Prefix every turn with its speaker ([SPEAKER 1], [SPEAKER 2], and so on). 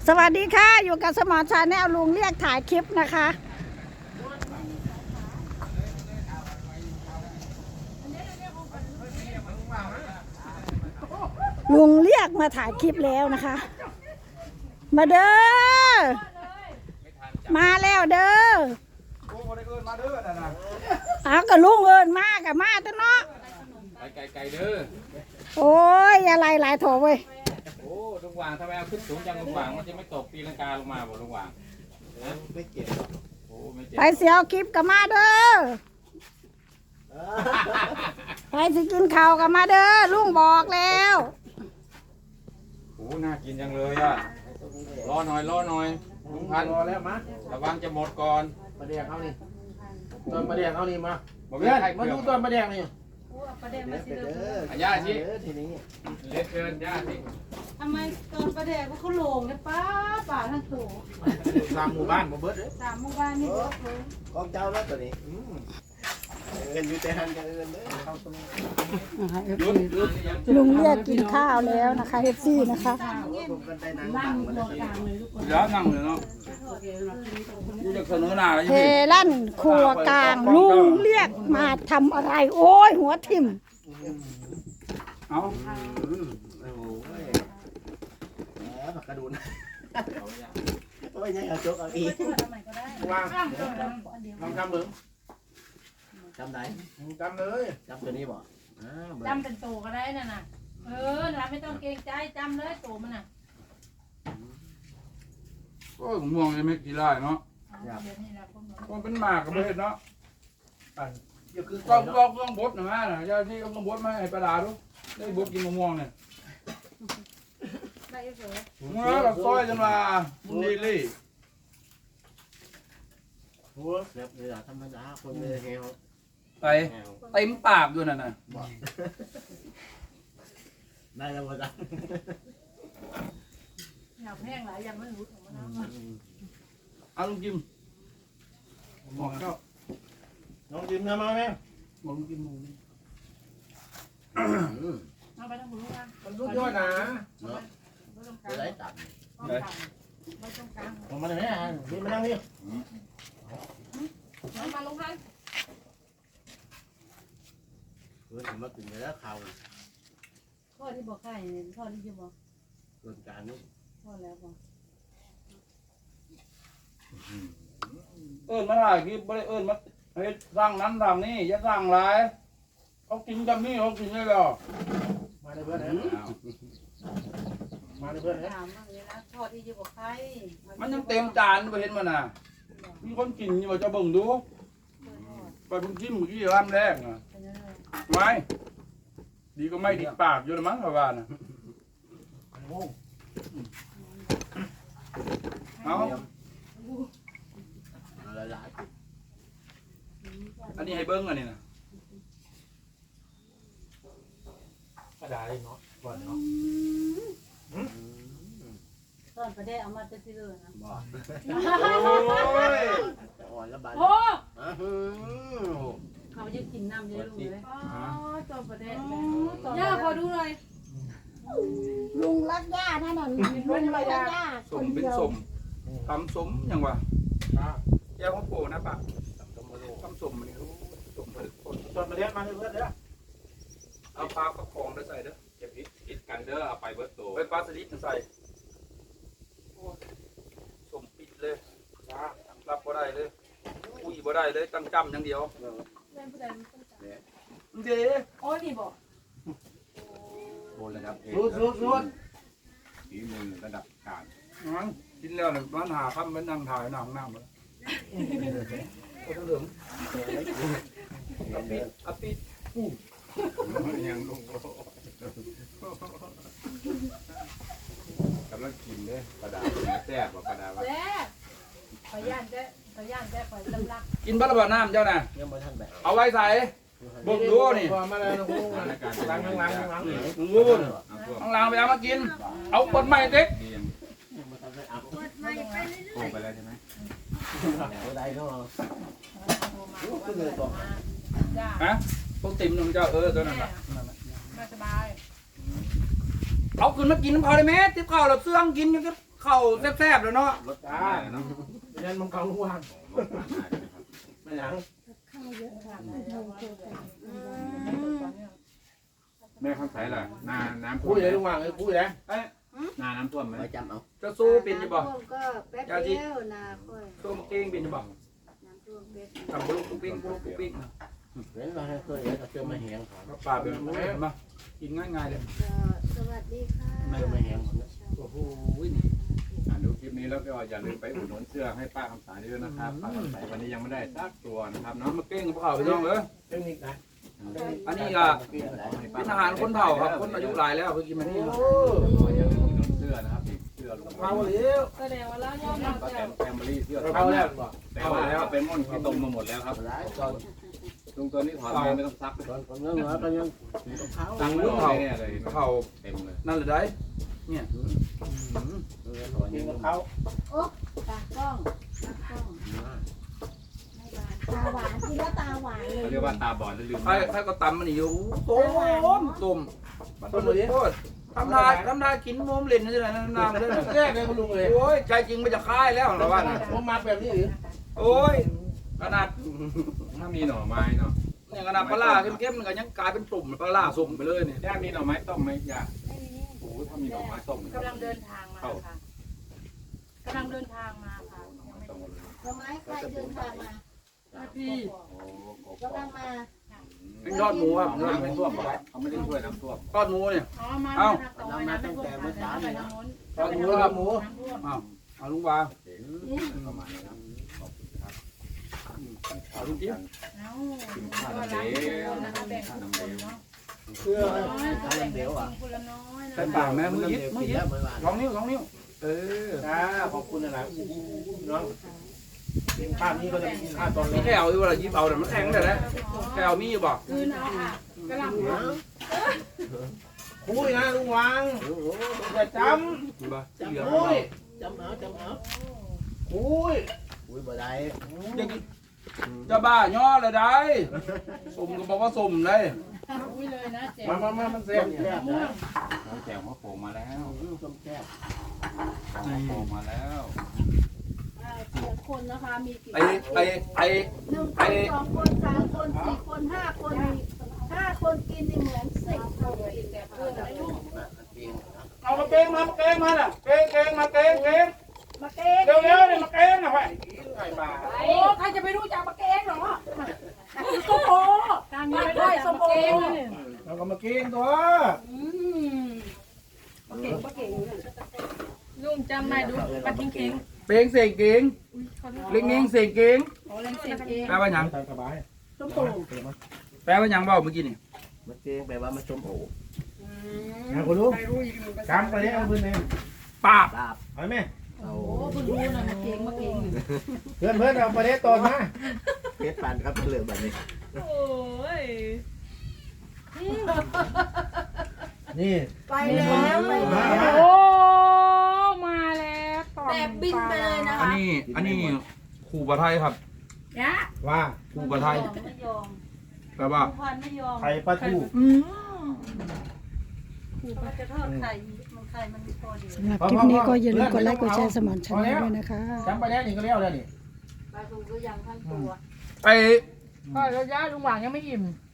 [SPEAKER 1] สวัสดีค่ะอยู่กับสมอชาแนลลุงเรียกถ่ายคลิปนะคะลุงเรียกมาถ่ายคลิปแล้วนะคะมาเด้อมาแล้วเด้อเอากับลุงเอิญมากับมาตัวเนาะ
[SPEAKER 2] ไก่เด้อ
[SPEAKER 1] โอ้ยอะไรหลายโถเว้ย
[SPEAKER 2] โอ้ลุงหว่างทำไมเอาขึ้นสูงจังลุงหว่างมันจะไม่ตกปีลังกาลงมาบ่ลุงหว่าง
[SPEAKER 3] ไม่เก็บ
[SPEAKER 2] โอ้ไม่เจ็บ
[SPEAKER 1] ไปเสียวคลิปกับมาเด้อไปสิกินข้าวกับมาเด้อลุงบอกแล้ว
[SPEAKER 2] โอ้น่ากินจังเลยอ่ะรอหน่อยลุงพัน
[SPEAKER 3] รอแล้วมา
[SPEAKER 2] ระวังจะหมดก่อน
[SPEAKER 3] ปลาแดงเขานี่ตอนปลาแดงเขานี่มา
[SPEAKER 2] บอก
[SPEAKER 3] เพื่อน
[SPEAKER 2] ให้
[SPEAKER 3] มาดูตอนปลาแดงนี่
[SPEAKER 4] ประเด็นมาสิเลย
[SPEAKER 2] ย่าสิ
[SPEAKER 3] ทีนี้
[SPEAKER 2] เล็ดเกินย่าสิ
[SPEAKER 4] ทำไมตอนประเด็นเขาโลงเนี่ยป้าทั้งตัว
[SPEAKER 3] ตามหมู่บ้านมาเบิดเลย
[SPEAKER 4] 3 หมู่บ้านนี่เบิดเลย
[SPEAKER 3] กองเจ้าแล้วตัวนี้เงินอยู่แต่หันกันเงินเลยเข้าตรงนี้
[SPEAKER 1] ลุงเรียกกินข้าวแล้วนะคะเอฟซีนะคะ
[SPEAKER 3] ผมกันได้นั่ง
[SPEAKER 4] ล่า
[SPEAKER 3] บั
[SPEAKER 4] ง
[SPEAKER 3] งมา
[SPEAKER 4] ตั
[SPEAKER 3] เล
[SPEAKER 4] วย กลางเลยทุกคน
[SPEAKER 2] แล้วนั่งเลยเนาะดูจากเสนอหน้าแล้ว
[SPEAKER 1] เฮ
[SPEAKER 2] ยังไง
[SPEAKER 1] ลั่นครัวกลางลุงเรียกมาทำอะไรโอ้ยหัวทิ่ม
[SPEAKER 2] เอา
[SPEAKER 3] โอ้โหแหมผักกระดูนโอ้ยยังเอาจกเอาอีก
[SPEAKER 4] ทำไมก็ได้
[SPEAKER 3] วาง
[SPEAKER 4] เดียว
[SPEAKER 3] ลองจำมึงจำไหนจำเลยจำตัวนี้บ่
[SPEAKER 4] จำเป็นโตก็ได้น่ะนะนะไม่ต้องเกรงใจจำเลยโตมันน่ะ
[SPEAKER 2] โอ้ยม่วงยังไม่กี่ไร่เนาะ
[SPEAKER 4] เดี๋ยวนี้นะพวกเรา
[SPEAKER 2] มันเป็นหมากกับเห็ดเนาะ
[SPEAKER 3] อย่าคือ
[SPEAKER 2] ต้องบดหน่อยนะย่าที่ต้องบดมาให้ปลาดาดูได้บดกินมะม่วงเนี่ย
[SPEAKER 4] ได้เสร็จ
[SPEAKER 2] เมื่อเราซอยจนมาบุญดีลี่
[SPEAKER 3] หัวแบบนี้ธรรมดาคนเลยแฮว
[SPEAKER 2] ไปเต็มปากด้วยน่ะนะ
[SPEAKER 3] ได้แล้วบ่จ๊ะ
[SPEAKER 4] อยากแห้งหลายอย่างมันรู้ของมันนะ
[SPEAKER 2] เอาลุงกิมบอกเจ้า
[SPEAKER 3] น้องจิ้มทำมาไหม
[SPEAKER 2] บอกลุงกิม
[SPEAKER 4] เอาไปทั้งหมดลูกนะ
[SPEAKER 3] มันรุดยอดนะ
[SPEAKER 4] ไม่ต้อง
[SPEAKER 3] ไป
[SPEAKER 4] การ
[SPEAKER 3] ไหนตัด
[SPEAKER 4] ไม่ต้องการ
[SPEAKER 3] ผมมาไหนอ่ะนี่มานั่งนี่
[SPEAKER 4] มาลงพัน
[SPEAKER 3] ผมมากินแล้วข่าว
[SPEAKER 4] พ่อที่บอกใครพ่อที่จะบอก
[SPEAKER 3] ส่วนการนี้
[SPEAKER 4] พ่อแล้วบอก
[SPEAKER 2] มาถ่ายคลิปไม่ได้มาเฮ็ดสร้างนั้นสร้างนี่อย่าสร้างหลายเขากินกับนี่เขากินได้หรอ
[SPEAKER 3] มาเลยเพื่อนมาเลยเพื่อน
[SPEAKER 4] ถามว่าเลยนะพ่อที่จะบอกใคร
[SPEAKER 2] มันยังเต็มจานไปเห็นมันน่ะมีคนกินอยู่จะเบิ่งดูไปเพิ่งกินเมื่อกี้ร้านแรกอ่ะไม่ดีก็ไม่ดีปากอยู่ละมั้งประมาณน่ะเอา
[SPEAKER 3] หลาย
[SPEAKER 2] อันนี้ให้เบิ้งอันนี้นะ
[SPEAKER 3] กระดาษเลยเนาะก่อนเนาะ
[SPEAKER 4] ตอนประเดี๋ยวเอามาจะซื้อนะ
[SPEAKER 3] บ่อ่อนแล้วบาด
[SPEAKER 4] โอ้
[SPEAKER 3] เขา
[SPEAKER 4] เขาจะกินน้ำเยอะเลยตอนประเดี๋ยว
[SPEAKER 1] ย่
[SPEAKER 4] ย่าพอดูหน่อย
[SPEAKER 1] ลุงรักย่าแน่นอนลุงรักย่า
[SPEAKER 2] สมเป็นสมทำสมอย่างวะแย่ของโปนะปะทำสมมันนี่สมผลิตผล
[SPEAKER 3] ตอนมาเรียกมาเลยเพื่อนเด้อ
[SPEAKER 2] เอาปลากระพงได้ใส่เด้อ
[SPEAKER 5] อย่าพิษกันเด้อเอาไปเบิดโต
[SPEAKER 2] ไปปลาสลิดใส่สมปิดเลยรับบ่ได้เลยอุ้ยบ่ได้เลยตั้งจำอย่างเดียวเด้
[SPEAKER 4] โอ้ยนี่บอก
[SPEAKER 5] โบนระดับเอ
[SPEAKER 3] รุด
[SPEAKER 5] ฝีมือระดับกลาง
[SPEAKER 2] งั้นกินแล้วเนี่ยมันหาคำมันนั่งถ่ายนั่งน้ำเลยก็ต้องเหลืองอปิด
[SPEAKER 5] ยังลงกำลังกินเด้ปลาดาแซ่บกว่าปลาดาว่า
[SPEAKER 4] แซ่ขอย่านแซ่ขอจำลัก
[SPEAKER 2] กินบัลลังก์น้ำเจ้าน่ะ
[SPEAKER 3] ยังไม่ทันแบบ
[SPEAKER 2] เอาไว้ใส่บุกดูนี่
[SPEAKER 3] มาเลยนะล้าง
[SPEAKER 2] งูนข้างล่างไปเอามากิน เอาคนใหม่เด็ก
[SPEAKER 5] ดียังโกงไปแล้วใช่ไหม
[SPEAKER 3] ได้เนาะ
[SPEAKER 2] ฮะพวกติ่มของเจ้าตัวนั้นน่ะ
[SPEAKER 4] มาสบาย
[SPEAKER 2] เอาขึ้นมากินน้ำเขาได้ไหมติ๊บข้าวเราเสื่องกินอยู่ก็เข้าแซ่บๆแล้วเนาะ
[SPEAKER 3] รถจ้าเรียนมังกรลูกว่างไม่ยัง
[SPEAKER 5] แม่ข้างใสล่ะนาน้ำท่ว
[SPEAKER 3] คุ
[SPEAKER 5] ม
[SPEAKER 3] ยเลยลูกว่างเลยคุยเลย
[SPEAKER 5] นาน้ำท่วมไหม
[SPEAKER 3] ไว้จำเอา
[SPEAKER 2] จะสู้เป็นจะบอก
[SPEAKER 6] ก็แป๊บเดียวนาค่อย
[SPEAKER 2] สู้มาเก่งเป็นจะบอก
[SPEAKER 6] น้ำท่วมเป๊บ
[SPEAKER 2] ทำบุลุกปุ๊กปิ๊กบุลุกปุ๊กปิ๊ก
[SPEAKER 3] เห็นเราให้เคยเห็นเราเจอมาแหง
[SPEAKER 2] ป่าเป็นมากินง่ายๆเลย
[SPEAKER 6] ก็สวัสดีค่ะ
[SPEAKER 3] ไม่มาแหง
[SPEAKER 2] โอ้โห
[SPEAKER 5] ดูคลิปนี้แล้วก็อย่าลืมไปอุดหนุนเสื้อให้ป้าคำใสด้วยนะครับป้าคำใสวันนี้ยังไม่ได้สักตัวนะครับเนาะ
[SPEAKER 2] มาเก่งกับเขาไปน้องเออ
[SPEAKER 3] เทคนิคนะ
[SPEAKER 2] อันนี้ก็เป็นอาหารคนเฒ่าครับคนอายุหลายแล้วเพิ่งกินมานี่
[SPEAKER 5] อย่าลืมอุดหนุนเสื้อนะครับเสื้อลุง
[SPEAKER 3] เอาเลี้ยว
[SPEAKER 4] แสดงว่าเรายอมรับ
[SPEAKER 5] ป้าแต
[SPEAKER 4] แล้ว
[SPEAKER 5] มแฟมิลี่เสื้อ
[SPEAKER 3] เอาแล้ว
[SPEAKER 5] แต่ว่าแล้วเป็นม่อนที่ตรงมาหมดแล้วครับ
[SPEAKER 3] หลายตอน
[SPEAKER 5] ลุงตัวนี้ถอดไม่ต้องซัก
[SPEAKER 3] ตอนเนื้อก็ยังเท้า
[SPEAKER 5] ตั้งมือเขาเนี่ยเลย
[SPEAKER 2] เขา
[SPEAKER 5] เต็มเลย
[SPEAKER 2] นั่นเลยได้เนี่ย
[SPEAKER 3] กินกับเขา
[SPEAKER 6] ตากล้องตากล้อง
[SPEAKER 1] ตาหวานกินแล้วตาหวานเลย
[SPEAKER 5] เขาเรียกว่าตาบอดแล้วลืม
[SPEAKER 2] ใครก็ตำมันอยู่ต้มต้มโคตรทำได้กินมุมเล่นนี่แหละน้ำเลย
[SPEAKER 3] แรกเลยคุณลุงเลย
[SPEAKER 2] โอ้ยใจจริงมันจะคายแล้วเราว่า
[SPEAKER 3] ผมมาแบบนี้หรือ
[SPEAKER 2] โอ้ยขนาด
[SPEAKER 5] ถ้ามีหน่อไม้เนาะ
[SPEAKER 2] เนี่ยขนาดปลาเข้มๆมันก็ยังกลายเป็นตุ่มปลาสุ่มไปเลยเนี่ย
[SPEAKER 5] ย่ามีหน่อไม้ต้มไหมย่าโอ้ถ้ามีหน่อไม้ต้ม
[SPEAKER 4] กำลังเดินทางมาค่ะกำลังเดินทางมาค่ะยังไม่ถึง
[SPEAKER 6] ทำไมใครเดินทางมา
[SPEAKER 4] พี่
[SPEAKER 6] กำลังมา
[SPEAKER 2] ยอดหมูครับ
[SPEAKER 5] น้ำไม่ท่วมเขาไม่ได้ช่วยน้ำท่วม
[SPEAKER 2] ยอดหมูเนี่ย
[SPEAKER 4] อ๋อมาทางตรงนะไม่ท่วมค่ะไปทางโน้น
[SPEAKER 2] ยอดหมูครับหมู
[SPEAKER 4] น้ำท่วม
[SPEAKER 2] เอาลุงวา
[SPEAKER 5] ประมาณนี้ครับขอบคุณครับ
[SPEAKER 2] เอาลุงจิ๊บ
[SPEAKER 4] เอ้าก็รักทุกคนนะคะแบ่งทุกคนเนาะ
[SPEAKER 3] เพื่อ
[SPEAKER 4] น้อยก็แบ่งกันคนละน้อยนะ
[SPEAKER 2] ใส่ปากแม่มือยิบมือยิบ
[SPEAKER 3] เมื่อวาน
[SPEAKER 2] สองนิ้วเออ
[SPEAKER 3] ขอบคุณนะน้องภาพนี้ก็จะภาพตอน
[SPEAKER 2] มีแก้วอยู่เวลายิบเอาแต่มันแข็งเลยนะแก้วมีอยู่บ่
[SPEAKER 4] คืนเอาค่ะกำลัง
[SPEAKER 3] คุยนะลุงวางอย่าจ
[SPEAKER 2] มีบ่
[SPEAKER 3] ำ
[SPEAKER 2] เหลือ
[SPEAKER 3] คุยจำเอาคุยบ่ได้
[SPEAKER 2] จะบ้าย่อเลยได้สมก็บอกว่าสมเลย
[SPEAKER 4] อุ้ยเลยนะเจ๊
[SPEAKER 3] มามันเสียบแซ่บนะ
[SPEAKER 5] น้องแจ๋วมะโป่งมาแล้ว
[SPEAKER 3] ต้มแซ่บ
[SPEAKER 5] มะโป่งมาแล้ว
[SPEAKER 6] เสียคนนะคะมีกี่
[SPEAKER 2] ไอ้
[SPEAKER 6] หนึ่งคนสองคนสามคนสี่คน5 คนกินนี่เหมือน10 คนกินแต่เพื่อนไม่รู้
[SPEAKER 2] เอามาเก่งมาน่ะเก่งมาเก่ง
[SPEAKER 6] มาเก้ง
[SPEAKER 2] เร็วนี่มาเก่งนะไปไอ้บ้า
[SPEAKER 4] โอ้ใครจะไปรู้จักปะเก้งเหรอส้มโอทางนี้ไม่ได้ส้มโอ
[SPEAKER 3] เราก็มากินตัว
[SPEAKER 4] ลุงจำได้ดูปะทิ้งเก่ง
[SPEAKER 2] เป่งเสกเก่งเล็งเงี้ยเสกเก่ง
[SPEAKER 4] โอ้เล่นเสียงเอง
[SPEAKER 2] แปลว่าหยัง
[SPEAKER 3] สบาย
[SPEAKER 6] ส้มโอ
[SPEAKER 2] แปลว่าหยังเบ้าเมื่อกี้นี่
[SPEAKER 3] มาเกงแปลว่ามาชมโอ้นะคุณลุงจำไปเลยเอาพื้นเอง
[SPEAKER 2] ปาบ
[SPEAKER 3] ลาบเอาไหม
[SPEAKER 6] โอ้เพิ่งรู้นะมาเก้งอยู่
[SPEAKER 3] เพื่อนเอาไปเล่ตอนมาเพชรปันครับเหลือแบบนี้
[SPEAKER 4] โอ้ย
[SPEAKER 3] นี่
[SPEAKER 6] ไปแล้วไปแล้ว
[SPEAKER 4] โอ้มาแล้วต่อ
[SPEAKER 6] แบบบินไปเลยนะ
[SPEAKER 2] อัน
[SPEAKER 6] คะ
[SPEAKER 2] นี้ครูบาไทยครับ
[SPEAKER 4] ยะ
[SPEAKER 3] ว่า
[SPEAKER 2] ครูบาไทย
[SPEAKER 6] ไม่ยอม
[SPEAKER 2] แปลว่า
[SPEAKER 6] ควันไม่ยอม
[SPEAKER 3] ไข่ปลาทู
[SPEAKER 6] มันจะทอดไข่มันไข่มันพอดี
[SPEAKER 1] สำหรับคลิปนี้ก็อย่าลืมกดไลค์กดแชร์สมอนชาแนลด้วยนะคะ
[SPEAKER 3] จำไปแล้วนี่ก็เลี้ยวแล้วนี่
[SPEAKER 6] ปลาทูก็ยังทั้งตัว
[SPEAKER 2] ไอ้
[SPEAKER 4] ก็ระยะลุงหวางยังไม่อิ่ม
[SPEAKER 2] ไ